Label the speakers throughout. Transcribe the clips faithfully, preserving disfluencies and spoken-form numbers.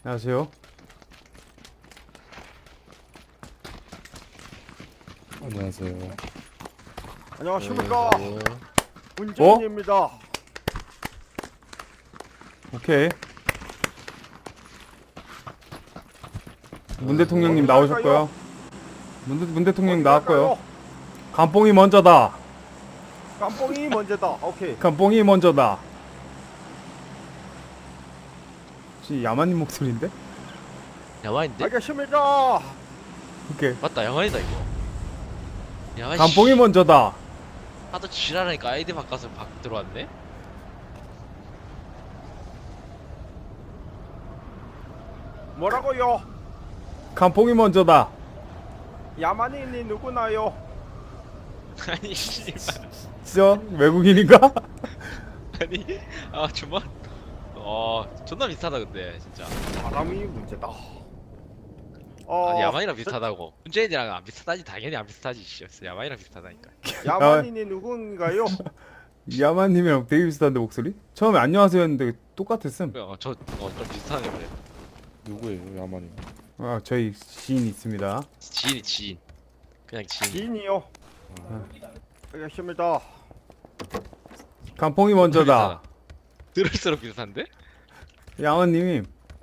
Speaker 1: 안녕하세요.
Speaker 2: 안녕하세요.
Speaker 3: 안녕하십니까.
Speaker 2: 안녕하세요.
Speaker 3: 문재인입니다.
Speaker 1: 오케이. 문 대통령님
Speaker 3: 어디
Speaker 1: 나오셨고요. 문, 대- 문 대통령 나왔고요.
Speaker 3: 갈까요?
Speaker 1: 감뽕이 먼저다.
Speaker 3: 깜뽕이 먼저다. 오케이.
Speaker 1: 감뽕이 먼저다. 혹시 야만님 목소리인데?
Speaker 4: 야만인데?
Speaker 3: 알겠습니다.
Speaker 1: 오케이.
Speaker 4: 맞다 야만이다 이거. 야만
Speaker 1: 감뽕이 먼저다.
Speaker 4: 하도 지랄하니까 아이디 바꿔서 박 들어왔네?
Speaker 3: 뭐라고요?
Speaker 1: 감뽕이 먼저다.
Speaker 3: 야만인이 누구나요?
Speaker 4: 아니 씨발
Speaker 1: 진짜 외국인인가?
Speaker 4: 아니 아 정말 어 존나 비슷하다 근데 진짜.
Speaker 3: 사람이 문제다. 어,
Speaker 4: 아, 야만이랑 비슷하다고. 문재인이랑 안 비슷하지 당연히 안 비슷하지 씨. 야만이랑 비슷하다니까.
Speaker 3: 야만인이 누군가요?
Speaker 1: 야만님이랑 되게 비슷한데 목소리? 처음에 안녕하세요 했는데 똑같았음.
Speaker 4: 어저어좀 비슷하네 그래.
Speaker 2: 누구예요, 야만이?
Speaker 1: 아 저희 지인 있습니다.
Speaker 4: 지인이 지인. 그냥 지인.
Speaker 3: 지인이요. 알겠습니다.
Speaker 1: 감뽕이 먼저다.
Speaker 4: 들을수록 비슷한데?
Speaker 1: 야만님이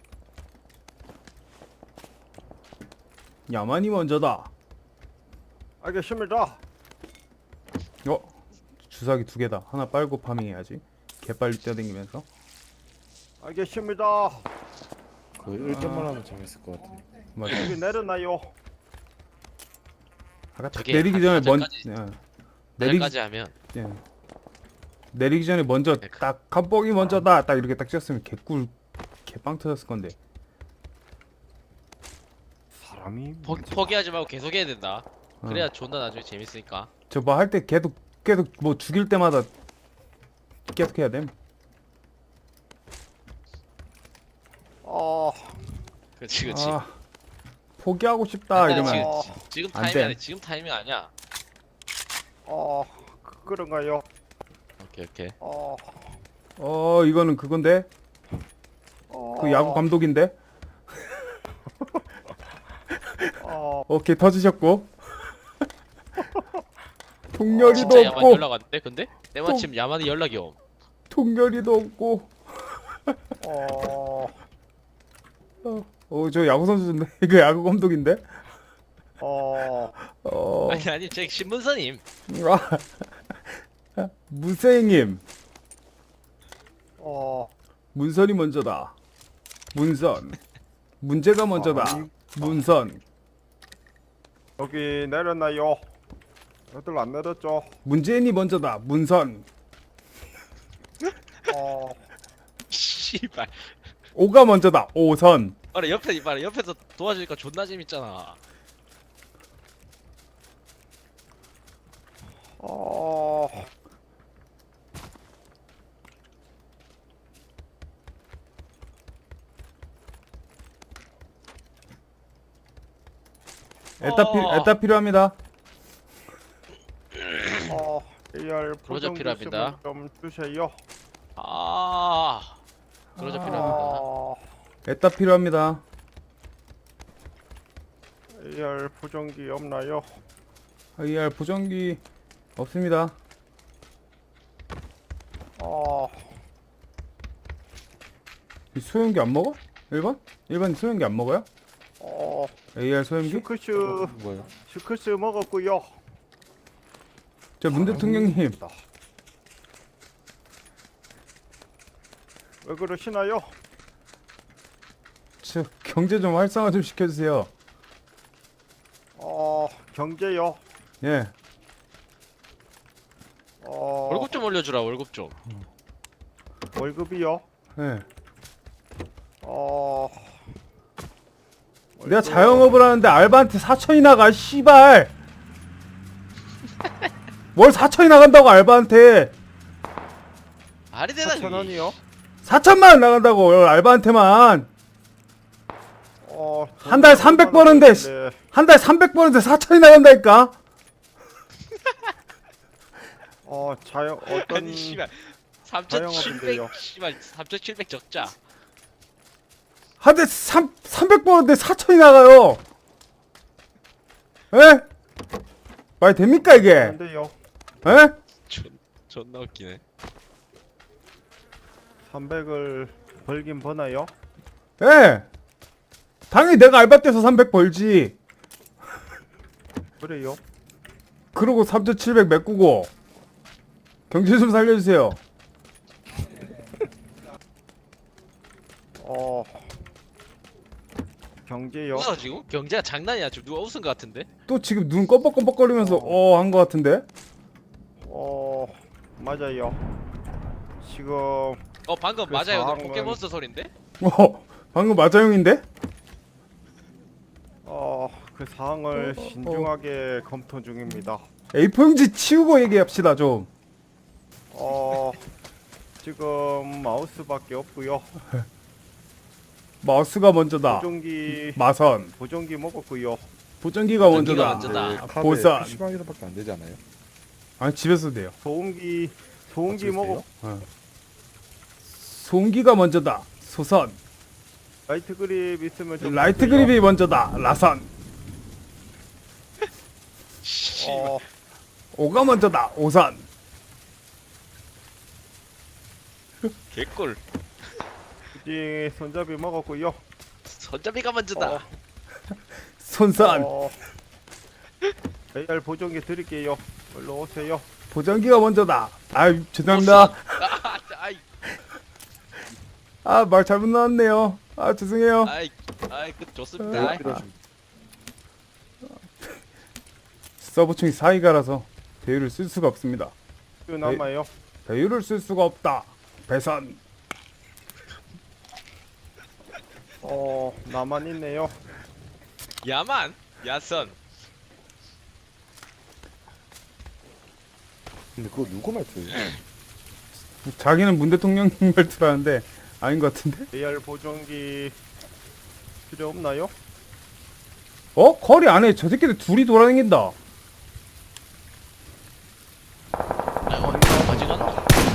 Speaker 1: 야만이 먼저다.
Speaker 3: 알겠습니다.
Speaker 1: 어? 주사기 두 개다. 하나 빨고 파밍해야지. 개빨리 뛰어다니면서.
Speaker 3: 알겠습니다.
Speaker 2: 그거 일점만 하면 재밌을 것 같아.
Speaker 1: 맞아.
Speaker 3: 여기 내려놔요.
Speaker 1: 아까 딱
Speaker 4: 저게
Speaker 1: 내리기 전에 먼
Speaker 4: 사전까지-
Speaker 1: 예. 내리기
Speaker 4: 내일까지 하면
Speaker 1: 예. 내리기 전에 먼저
Speaker 4: 네, 그-
Speaker 1: 딱 감뽕이 먼저다. 딱 이렇게 딱 찍었으면 개꿀 개빵 터졌을 건데.
Speaker 3: 사람이
Speaker 4: 포,
Speaker 3: 문제다.
Speaker 4: 포기하지 말고 계속 해야 된다.
Speaker 1: 어.
Speaker 4: 그래야 존나 나중에 재밌으니까.
Speaker 1: 저 뭐 할 때 계속 계속 뭐 죽일 때마다 계속 해야 됨.
Speaker 3: 어,
Speaker 4: 그렇지 그렇지.
Speaker 1: 아, 포기하고 싶다
Speaker 4: 아니,
Speaker 1: 이러면
Speaker 3: 어,
Speaker 4: 지금
Speaker 1: 안
Speaker 4: 타이밍
Speaker 1: 돼.
Speaker 4: 아니야. 지금 타이밍 아니야.
Speaker 3: 어, 그- 그런가요?
Speaker 4: 오케이 오케이.
Speaker 3: 어,
Speaker 1: 어 이거는 그건데
Speaker 3: 어,
Speaker 1: 그 야구 감독인데.
Speaker 3: 어,
Speaker 1: 오케이 터지셨고. 통렬이도
Speaker 4: 진짜 야만
Speaker 1: 없고
Speaker 4: 연락 왔는데 근데 때마침 야만이 연락이 옴.
Speaker 1: 통렬이도 없고.
Speaker 3: 어,
Speaker 1: 어 저 야구 선수인데 이거 야구 감독인데.
Speaker 3: 어,
Speaker 1: 어
Speaker 4: 아니 아니 제 신문선임.
Speaker 1: 아, 무생님
Speaker 3: 어,
Speaker 1: 문선이 먼저다. 문선 문제가 먼저다.
Speaker 3: 아니,
Speaker 1: 문선
Speaker 3: 여기 내렸나요? 여들 안 내렸죠?
Speaker 1: 문재인이 먼저다. 문선
Speaker 3: 어,
Speaker 4: 씨발.
Speaker 1: 오가 먼저다. 오선
Speaker 4: 아니 옆에 이봐라 옆에서 도와주니까 존나 재밌잖아.
Speaker 3: 어,
Speaker 1: 에따 필
Speaker 4: 어.
Speaker 1: 에따 필요합니다.
Speaker 3: 어, 에이알
Speaker 4: 그러자
Speaker 3: 보정
Speaker 4: 필요합니다.
Speaker 3: 좀 주세요.
Speaker 4: 아. 그러자
Speaker 1: 아.
Speaker 4: 필요합니다.
Speaker 3: 어,
Speaker 1: 에따 필요합니다.
Speaker 3: 에이알 보정기 없나요?
Speaker 1: 아이알 보정기 없습니다.
Speaker 3: 어,
Speaker 1: 이 소형기 안 먹어? 일 번? 일 번 소형기 안 먹어요?
Speaker 3: 어,
Speaker 1: 에이알 소형기?
Speaker 3: 슈크스,
Speaker 2: 뭐예요?
Speaker 3: 슈크스 먹었고요.
Speaker 1: 저 문 대통령님
Speaker 3: 왜 그러시나요?
Speaker 1: 저 경제 좀 활성화 좀 시켜주세요.
Speaker 3: 어, 경제요.
Speaker 1: 예.
Speaker 3: 어,
Speaker 4: 월급 좀 올려주라 월급 좀.
Speaker 3: 월급이요.
Speaker 1: 예.
Speaker 3: 어,
Speaker 1: 내가
Speaker 3: 월급-
Speaker 1: 자영업을 하는데 알바한테 사천이 나가 씨발. 뭘 사천이 나간다고 알바한테.
Speaker 4: 말이 되나
Speaker 3: 사천
Speaker 4: 그게.
Speaker 3: 원이요.
Speaker 1: 사천만 원 나간다고 알바한테만.
Speaker 3: 어,
Speaker 1: 한 달에 삼백 버는데 씨.
Speaker 3: 네.
Speaker 1: 한 달 삼백 버는데 사천이 나간다니까.
Speaker 3: 어, 자영 어떤
Speaker 4: 아니 씨발
Speaker 3: 자영업인데요.
Speaker 4: 삼천칠백 씨발 삼천칠백 적자.
Speaker 1: 한대 삼백 번인데 사천이 나가요. 에? 말 됩니까 이게?
Speaker 3: 안 돼요.
Speaker 1: 에?
Speaker 4: 존, 존나 웃기네.
Speaker 3: 삼백을 벌긴 버나요?
Speaker 1: 에? 당연히 내가 알바 떼서 삼백 벌지.
Speaker 3: 그래요?
Speaker 1: 그러고 삼천칠백 메꾸고. 경제 좀 살려주세요.
Speaker 3: 어 경제요?
Speaker 4: 웃어 지금? 경제가 장난이야. 지금 누가 웃은 것 같은데?
Speaker 1: 또 지금 눈 껌뻑껌뻑거리면서 어 한 거 같은데?
Speaker 3: 어 맞아요. 지금
Speaker 4: 어 방금
Speaker 3: 그
Speaker 4: 맞아요. 너
Speaker 3: 상황은-
Speaker 4: 포켓몬스터 소린데?
Speaker 1: 어 방금 마자용인데?
Speaker 3: 어 그 사항을
Speaker 1: 어, 어, 어.
Speaker 3: 신중하게 검토 중입니다.
Speaker 1: 에이포 형지 치우고 얘기합시다 좀.
Speaker 3: 어 지금 마우스밖에 없고요.
Speaker 1: 마우스가 먼저다.
Speaker 3: 보정기
Speaker 1: 마선.
Speaker 3: 보정기 먹었고요.
Speaker 1: 보정기가
Speaker 4: 보정기가
Speaker 1: 먼저다.
Speaker 4: 먼저다.
Speaker 2: 네, 카드에
Speaker 1: 보선.
Speaker 2: 피시방에서밖에 안 되지 않아요?
Speaker 1: 아니 집에서도 돼요.
Speaker 3: 소음기 소음기
Speaker 2: 집에서
Speaker 3: 먹었.
Speaker 2: 돼요?
Speaker 1: 소음기가 먼저다. 소선.
Speaker 3: 라이트 그립 있으면 좀
Speaker 1: 라이트
Speaker 3: 주세요.
Speaker 1: 그립이 먼저다. 라선.
Speaker 3: 어
Speaker 1: 오가 먼저다. 오선.
Speaker 4: 개꿀.
Speaker 3: 굳이 손잡이 먹었고요.
Speaker 4: 손잡이가 먼저다.
Speaker 3: 어,
Speaker 1: 손선.
Speaker 3: 어, 에이알 보정기 드릴게요. 얼른 오세요.
Speaker 1: 보정기가 먼저다. 아 죄송합니다.
Speaker 4: 아, 아이,
Speaker 1: 아 말 잘못 나왔네요. 아 죄송해요.
Speaker 4: 아이, 아이, 그 좋습니다.
Speaker 1: 아,
Speaker 4: 아이.
Speaker 1: 서버충이 사이가라서 배율을 쓸 수가 없습니다.
Speaker 3: 그 남아요.
Speaker 1: 배율을 쓸 수가 없다. 배선.
Speaker 3: 어 나만 있네요.
Speaker 4: 야만, 야선.
Speaker 2: 근데 그거 누구 말투예요?
Speaker 1: 자기는 문 대통령 말투라는데 아닌 것 같은데?
Speaker 3: 에이알 보정기 필요 없나요?
Speaker 1: 어? 거리 안에 저 새끼들 둘이 돌아다닌다.
Speaker 4: 아이고, 어디 갔나?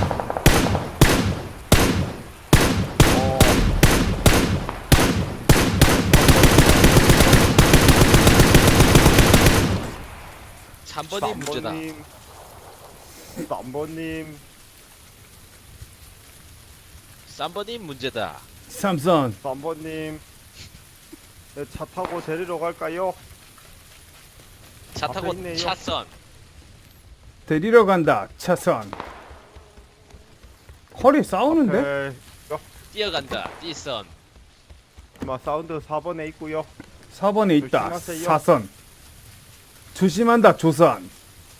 Speaker 3: 어
Speaker 4: 삼 번이 문제다.
Speaker 3: 삼번님 삼번님
Speaker 4: 삼 번이 문제다.
Speaker 1: 삼선.
Speaker 3: 삼번님 네, 차 타고 데리러 갈까요?
Speaker 4: 차
Speaker 3: 앞에
Speaker 4: 타고
Speaker 3: 있네요.
Speaker 4: 차선.
Speaker 1: 데리러 간다. 차선. 거리 싸우는데?
Speaker 3: 네,
Speaker 4: 뛰어간다. 띠선.
Speaker 3: 마 사운드 사 번에 있고요.
Speaker 1: 사 번에 있다.
Speaker 3: 조심하세요.
Speaker 1: 사선. 조심한다. 조선.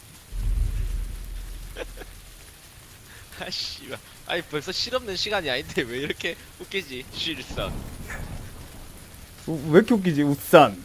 Speaker 4: 아씨, 아니 벌써 실없는 시간이 아닌데 왜 이렇게 웃기지? 실선.
Speaker 1: 우- 왜 이렇게 웃기지? 웃산.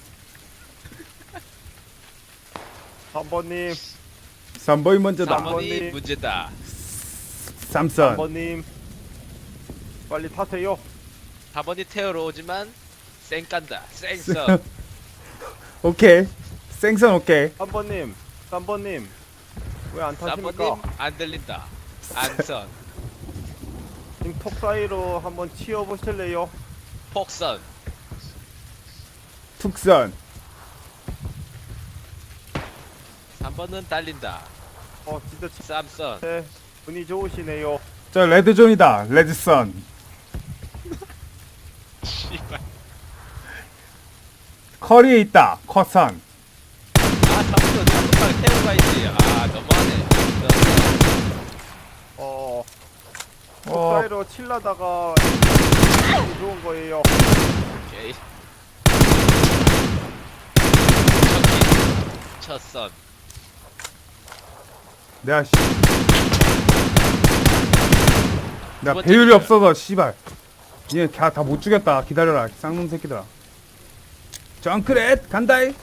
Speaker 3: 삼번님
Speaker 1: 삼 번이 먼저다.
Speaker 4: 삼 번이
Speaker 3: 번이-
Speaker 4: 문제다.
Speaker 1: 삼선.
Speaker 3: 삼번님 빨리 타세요.
Speaker 4: 사 번이 태우러 오지만 쌩 깐다. 쌩선.
Speaker 1: 오케이. 생선 오케이.
Speaker 3: 삼번님 삼번님 왜 안
Speaker 4: 삼 번님
Speaker 3: 타십니까?
Speaker 4: 안 들린다. 안선.
Speaker 3: 님 턱 사이로 한번 치워 보실래요?
Speaker 4: 폭선.
Speaker 1: 툭선.
Speaker 4: 삼 번은 달린다.
Speaker 3: 어 진짜
Speaker 4: 쌈선.
Speaker 3: 네, 분이 좋으시네요.
Speaker 1: 저 레드존이다. 레드선.
Speaker 4: 씨발.
Speaker 1: 커리에 있다. 커선.
Speaker 4: 아, 삼 번 한번만 태우고 가야지. 아, 너무하네.
Speaker 3: 어, 턱
Speaker 1: 어.
Speaker 3: 사이로 칠라다가 분이 좋은 거예요.
Speaker 4: 오케이. 첫키. 첫선.
Speaker 1: 내가 씨. 내가
Speaker 4: 번째
Speaker 1: 배율이
Speaker 4: 기절.
Speaker 1: 없어서 씨발. 얘 다 못 죽였다. 기다려라. 쌍놈 새끼들아. 정크렛 간다이.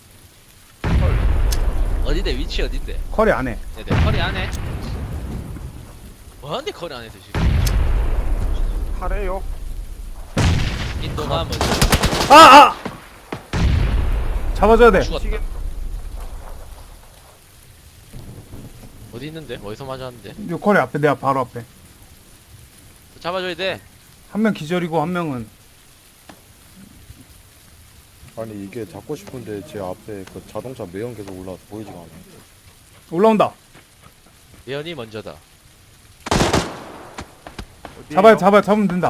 Speaker 4: 어딘데? 위치 어딘데?
Speaker 1: 커리 안 해.
Speaker 4: 네네. 커리 안에. 뭐하는데 커리 안에 드시?
Speaker 3: 하래요.
Speaker 4: 인도가 먼저
Speaker 1: 아, 아! 잡아줘야 돼.
Speaker 4: 죽었다.
Speaker 3: 미치겠-
Speaker 4: 어디 있는데? 어디서 맞았는데?
Speaker 1: 요 커리 앞에, 내가 바로 앞에.
Speaker 4: 잡아줘야 돼.
Speaker 1: 한 명 기절이고 한 명은
Speaker 2: 아니 이게 잡고 싶은데 제 앞에 그 자동차 매연 계속 올라와서 보이지가 않아.
Speaker 1: 올라온다.
Speaker 4: 예언이 먼저다.
Speaker 3: 어디에요?
Speaker 1: 잡아요, 잡아요, 잡으면 된다.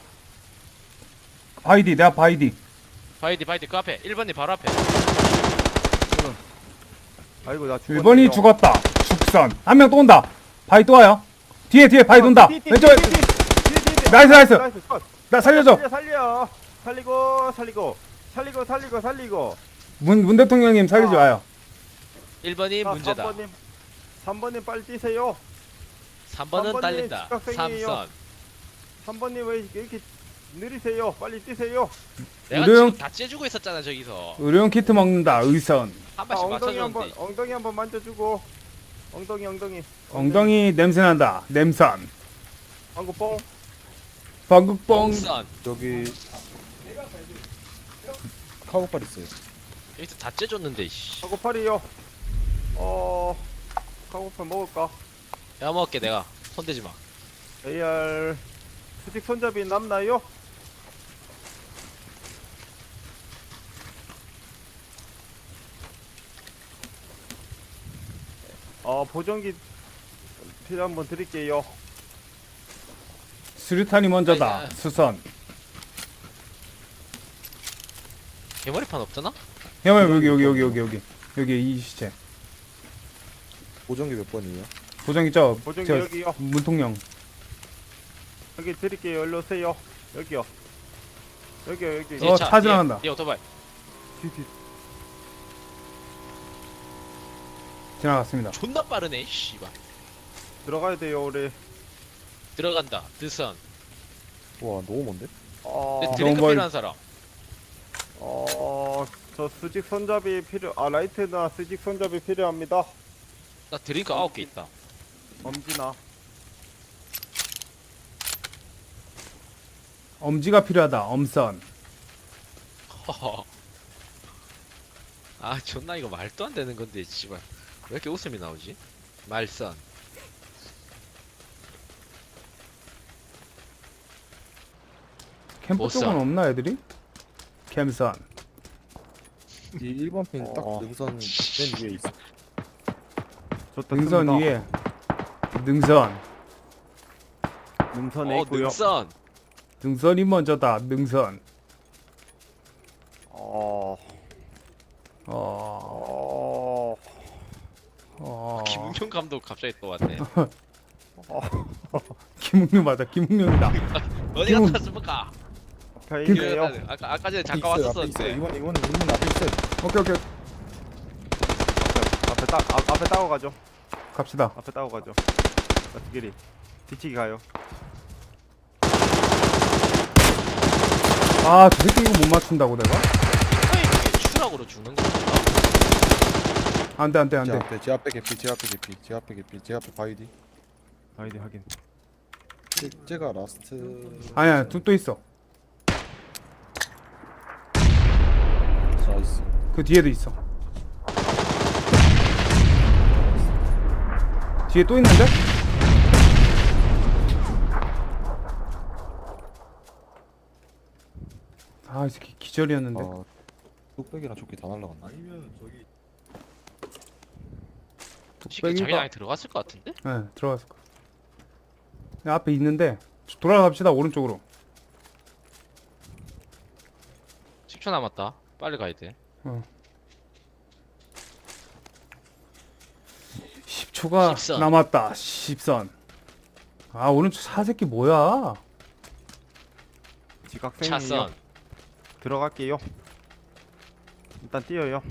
Speaker 1: 바이디, 내가 바이디.
Speaker 4: 바이디 바이디 그 앞에 일 번님 바로 앞에.
Speaker 3: 아이고 나 죽었네.
Speaker 1: 일 번이 죽었다. 죽선. 한 명 또 온다. 바이 또 와요. 뒤에, 뒤에 바이 돈다. 왼쪽에. 나이스, 나이스.
Speaker 3: 컷.
Speaker 1: 나 살려줘.
Speaker 3: 살려 살려. 살리고 살리고 살리고 살리고 살리고.
Speaker 1: 문, 문 대통령님 살리지 마요.
Speaker 4: 일 번이 문제다.
Speaker 3: 삼 번님 삼 번님 빨리 뛰세요.
Speaker 4: 삼 번은
Speaker 3: 삼 번이
Speaker 4: 딸린다.
Speaker 3: 직각생이에요.
Speaker 4: 삼선.
Speaker 3: 삼 번님 왜 이렇게 느리세요? 빨리 뛰세요.
Speaker 4: 내가
Speaker 1: 의료용-
Speaker 4: 지금 다 째주고 있었잖아 저기서.
Speaker 1: 의료용 키트 먹는다. 의선.
Speaker 4: 한
Speaker 3: 아,
Speaker 4: 발씩
Speaker 3: 엉덩이 한번
Speaker 4: 맞춰줬는데.
Speaker 3: 엉덩이 한번 만져주고. 엉덩이 엉덩이.
Speaker 1: 엉덩이 냄새 난다. 냄선.
Speaker 3: 방구 뽕.
Speaker 1: 방국뽕.
Speaker 4: 선.
Speaker 2: 저기 카고팔 있어요.
Speaker 4: 여기서 다 째줬는데 씨.
Speaker 3: 카고팔이요. 어 카고팔 먹을까?
Speaker 4: 내가 먹을게 내가. 손대지 마.
Speaker 3: 에이알 수직 손잡이 남나요? 어 보정기 필요 한번 드릴게요.
Speaker 1: 수류탄이 먼저다.
Speaker 4: 아니, 아.
Speaker 1: 수선.
Speaker 4: 개머리판 없잖아?
Speaker 1: 형 여기 여기 여기 여기 여기 여기 이 시체.
Speaker 2: 보정기 몇 번이에요?
Speaker 1: 보정기 저,
Speaker 3: 보정기
Speaker 1: 저
Speaker 3: 여기요.
Speaker 1: 문통령.
Speaker 3: 여기 드릴게요. 일로 오세요. 여기요. 여기요 여기.
Speaker 1: 어, 차 지나간다.
Speaker 4: 이 오토바이.
Speaker 3: 뒤, 뒤.
Speaker 1: 지나갔습니다.
Speaker 4: 존나 빠르네 씨발.
Speaker 3: 들어가야 돼요 우리.
Speaker 4: 들어간다. 드선.
Speaker 2: 와 너무 먼데?
Speaker 3: 어,
Speaker 4: 근데 드링크
Speaker 1: 너무
Speaker 4: 필요한 사람.
Speaker 3: 어, 저 수직 손잡이 필요. 아 라이트나 수직 손잡이 필요합니다.
Speaker 4: 나 드링크 아홉 개 있다.
Speaker 3: 엄지나.
Speaker 1: 엄지가 필요하다. 엄선.
Speaker 4: 허허. 아 존나 이거 말도 안 되는 건데 씨발. 왜 이렇게 웃음이 나오지? 말선.
Speaker 1: 캠프
Speaker 4: 보선.
Speaker 1: 쪽은 없나 애들이? 캠선.
Speaker 2: 이 일 번 핀 딱
Speaker 3: 어.
Speaker 2: 능선 맨 위에 있어.
Speaker 3: 좋다.
Speaker 1: 능선
Speaker 3: 씁니다.
Speaker 1: 위에. 능선.
Speaker 3: 능선에
Speaker 4: 어
Speaker 3: 있고요.
Speaker 4: 능선.
Speaker 1: 능선이 먼저다. 능선.
Speaker 3: 어,
Speaker 1: 어.
Speaker 3: 어,
Speaker 1: 어.
Speaker 4: 김웅룡 감독 갑자기 또 왔네.
Speaker 1: 김웅룡 맞아. 김웅룡이다.
Speaker 4: 어디
Speaker 1: 김웅-
Speaker 4: 갔다 왔습니까?
Speaker 3: 앞에 있네요.
Speaker 4: 아까 아까 전에
Speaker 2: 앞에
Speaker 4: 잠깐
Speaker 2: 있어요, 앞에 있어요.
Speaker 4: 왔었었는데.
Speaker 2: 이번 이거는 문문 앞에 있어요.
Speaker 1: 오케이 오케이.
Speaker 3: 앞에 따, 앞, 앞에 따고 가죠.
Speaker 1: 갑시다.
Speaker 3: 앞에 따고 가죠. 어떻게리 뒤치기 가요.
Speaker 1: 아, 저 새끼 이거 못 맞춘다고 내가?
Speaker 4: 아니 이게 추락으로 죽는 거 같다.
Speaker 1: 안 돼, 안 돼, 안
Speaker 2: 제
Speaker 1: 돼.
Speaker 2: 앞에 제 앞에 개피 제 앞에 개피 제 앞에 개피 제 앞에 바이디.
Speaker 3: 아이디 확인.
Speaker 2: 제, 제가 라스트.
Speaker 1: 아니야, 또, 또 있어.
Speaker 2: 나이스.
Speaker 1: 그 뒤에도 있어. 뒤에 또 있는데? 아, 이 새끼 기절이었는데.
Speaker 2: 아 뚝배기랑 조끼 다 날라갔네. 아니면 저기
Speaker 4: 지금 자기 안에 들어갔을 것 같은데?
Speaker 1: 네, 들어갔을 거야. 야, 앞에 있는데 돌아갑시다. 오른쪽으로.
Speaker 4: 십 초 남았다. 빨리 가야 돼.
Speaker 1: 십 초가
Speaker 4: 십선.
Speaker 1: 남았다. 십선. 아, 오른쪽 사새끼 뭐야?
Speaker 3: 지각생이에요.
Speaker 4: 차선.
Speaker 3: 들어갈게요. 일단 뛰어요.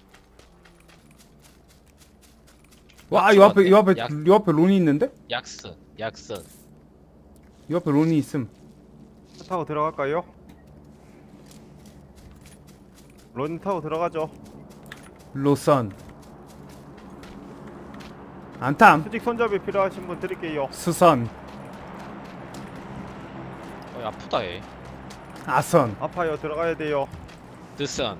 Speaker 1: 와, 이 앞에, 이 앞에,
Speaker 4: 약-
Speaker 1: 이 앞에 론이 있는데?
Speaker 4: 약선. 약선.
Speaker 1: 이 앞에 론이 있음.
Speaker 3: 차 타고 들어갈까요? 런 타고 들어가죠.
Speaker 1: 로선. 안탐.
Speaker 3: 수직 손잡이 필요하신 분 드릴게요.
Speaker 1: 수선.
Speaker 4: 어 아프다 얘.
Speaker 1: 아선.
Speaker 3: 아파요. 들어가야 돼요.
Speaker 4: 드선.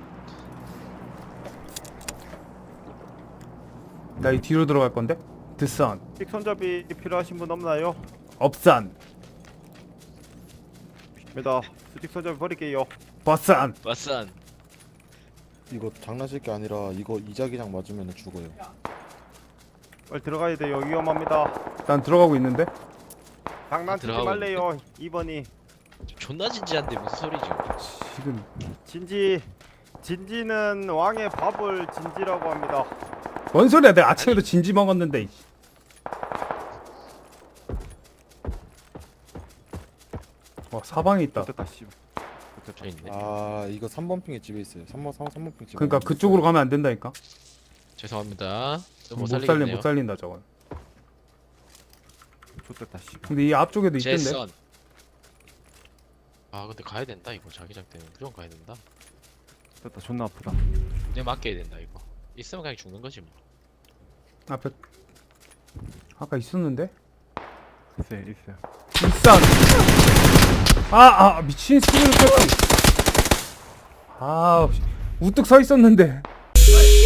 Speaker 1: 나 이 뒤로 들어갈 건데? 드선.
Speaker 3: 수직 손잡이 필요하신 분 없나요?
Speaker 1: 업산.
Speaker 3: 입니다. 수직 손잡이 버릴게요.
Speaker 1: 버산.
Speaker 4: 왓선.
Speaker 2: 이거 장난칠 게 아니라 이거 이자기장 맞으면 죽어요.
Speaker 3: 빨리 들어가야 돼요. 위험합니다.
Speaker 1: 난 들어가고 있는데.
Speaker 3: 장난치지
Speaker 4: 들어가고
Speaker 3: 말래요. 이 번이
Speaker 4: 존나 진지한데 무슨 소리지?
Speaker 1: 지금
Speaker 3: 진지. 진지는 왕의 밥을 진지라고 합니다.
Speaker 1: 뭔 소리야? 내가 아침에도 진지 먹었는데. 이씨. 어 사방에 있다.
Speaker 3: 됐다 씨.
Speaker 4: 저 있네.
Speaker 2: 아 이거 삼 번 핑의 집에 있어요. 삼 번 삼 번 핑 집에.
Speaker 1: 그러니까 그쪽으로 가면 안 된다니까.
Speaker 4: 죄송합니다. 못
Speaker 1: 못 살린
Speaker 4: 살리겠네요.
Speaker 1: 못 살린다 저건.
Speaker 3: 좋됐다 씨.
Speaker 1: 근데 이 앞쪽에도 있던데.
Speaker 4: 제선. 아 근데 가야 된다 이거 자기장 때문에 무조건 가야 된다.
Speaker 3: 됐다 존나 아프다.
Speaker 4: 내 맡겨야 된다 이거. 있으면 그냥 죽는 거지 뭐.
Speaker 1: 앞에 아까 있었는데.
Speaker 3: 있어요 있어요.
Speaker 1: 일산. 아아 미친 스킬을 켰지. 아 우뚝 서 있었는데.